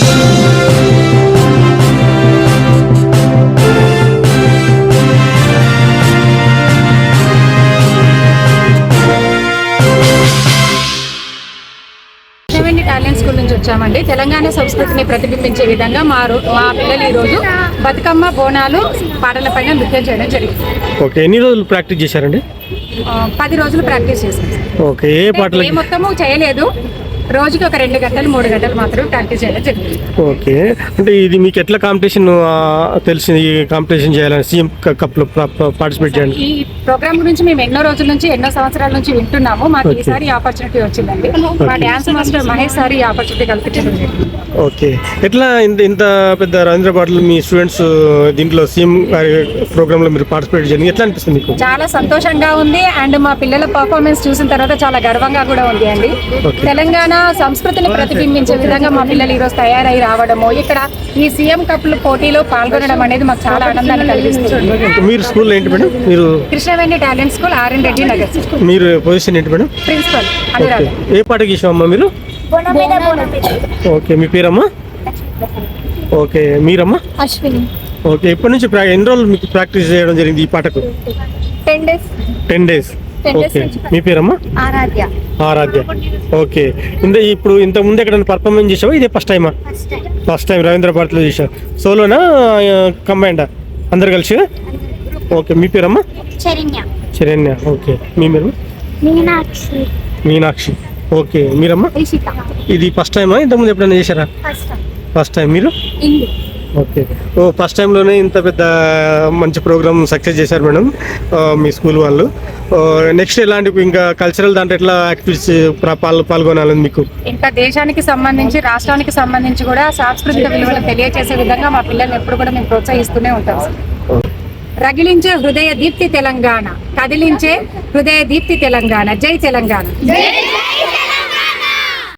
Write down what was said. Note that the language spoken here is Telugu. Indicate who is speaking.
Speaker 1: టాలెంట్ స్కూల్ నుంచి వచ్చామండి. తెలంగాణ సంస్కృతిని ప్రతిబింబించే విధంగా మా పిల్లలు ఈరోజు బతుకమ్మ బోనాలు పాటలపైన నృత్యం చేయడం జరిగింది.
Speaker 2: ఓకే, ఎన్ని రోజులు ప్రాక్టీస్ చేశారండి?
Speaker 1: 10 రోజులు ప్రాక్టీస్ చేశాం.
Speaker 2: ఓకే, ఏ పాటలు?
Speaker 1: మొత్తము చేయలేదు, రోజుకి ఒక 2 గంటలు 3 గంటలు మాత్రమే ప్రాక్టీస్ చేయడం జరిగింది.
Speaker 2: ఓకే, అంటే ఇది మీకు ఎట్లా కాంపిటీషన్ తెలిసింది? ఈ కాంపిటీషన్ చేయాలని సీఎం కప్లో పార్టిసిపేట్ చేయాలి.
Speaker 1: ఈ ప్రోగ్రామ్ గురించి మేము ఎన్నో రోజుల నుంచి ఎన్నో సంవత్సరాల నుంచి వింటున్నాము. మాకు ఈసారి ఆపర్చునిటీ వచ్చిందండి. మా డ్యాన్స్ మాస్టర్ మహేష్ సార్ ఈ ఆపర్చునిటీ కల్పించడం జరిగింది.
Speaker 2: ఓకే, ఎట్లా ఇంత పెద్ద రవీంద్రపాటలు మీ స్టూడెంట్స్ దీంట్లో సీఎం ప్రోగ్రామ్ లో మీరు పార్టిసిపేట్ చేయండి, ఎట్లా అనిపిస్తుంది మీకు?
Speaker 1: చాలా సంతోషంగా ఉంది. అండ్ మా పిల్లల పర్ఫార్మెన్స్ చూసిన తర్వాత చాలా గర్వంగా కూడా ఉంది అండి. తెలంగాణ సంస్కృతిని ప్రతిబింబించే విధంగా మా పిల్లలు ఈరోజు తయారై రావడము, ఇక్కడ ఈ సీఎం కప్ పోటీలో పాల్గొనడం అనేది మాకు చాలా ఆనందాన్ని కలిగిస్తుంది.
Speaker 2: మీరు స్కూల్ ఏంటి మేడం? మీరు
Speaker 1: Krishnaveni talent school, RN Reddy Nagar.
Speaker 2: మీరు పొజిషన్ ఏంటి మేడం?
Speaker 1: ప్రిన్సిపల్ అనురాధ.
Speaker 2: ఏ పాటకి ఇష్టమమ్మా మీరు? ఓకే, మీ పేరమ్మా? ఓకే, మీరమ్మా?
Speaker 3: అశ్విని.
Speaker 2: ఓకే, ఇప్పటి నుంచి ఎన్ని రోజులు మీకు ప్రాక్టీస్ చేయడం జరిగింది ఈ పాటకు?
Speaker 3: 10 days.
Speaker 2: 10 days. ఓకే, మీ పేరమ్మా?
Speaker 3: ఆరాధ్య.
Speaker 2: ఆరాధ్య. ఓకే, ఇప్పుడు ఇంత ముందు ఎక్కడైనా పర్ఫార్మెన్స్ చేసావా? ఇదే ఫస్ట్ టైమా? ఫస్ట్ టైం రవీంద్రపాటలో చేసావు. సోలోనా కంబైండా అందరు కలిసి? ఓకే, మీ పేరమ్మా? చరణ్య. ఓకే, మీ పేరు? మీనాక్షి. ఓకే, మీరమ్మా? ఇది ఫస్ట్ టైమా? ఇంతకుముందు ఎప్పుడైనా చేశారా? First time. మీరు? ఓకే, ఫస్ట్ టైంలోనే ఇంత పెద్ద మంచి ప్రోగ్రామ్ సక్సెస్ చేశారు మేడం మీ స్కూల్ వాళ్ళు. నెక్స్ట్ ఎలాంటి ఇంకా కల్చరల్ దాంట్లో ఎట్లా యాక్టివిటీస్ పాల్గొనాలని మీకు?
Speaker 1: ఇంకా దేశానికి సంబంధించి రాష్ట్రానికి సంబంధించి కూడా సాంస్కృతిక విలువలు తెలియజేసే విధంగా మా పిల్లల్ని ఎప్పుడు కూడా మేము ప్రోత్సహిస్తూనే ఉంటాం. రగిలించే హృదయ దీప్తి తెలంగాణ, కదిలించే హృదయ దీప్తి తెలంగాణ. జై తెలంగాణ.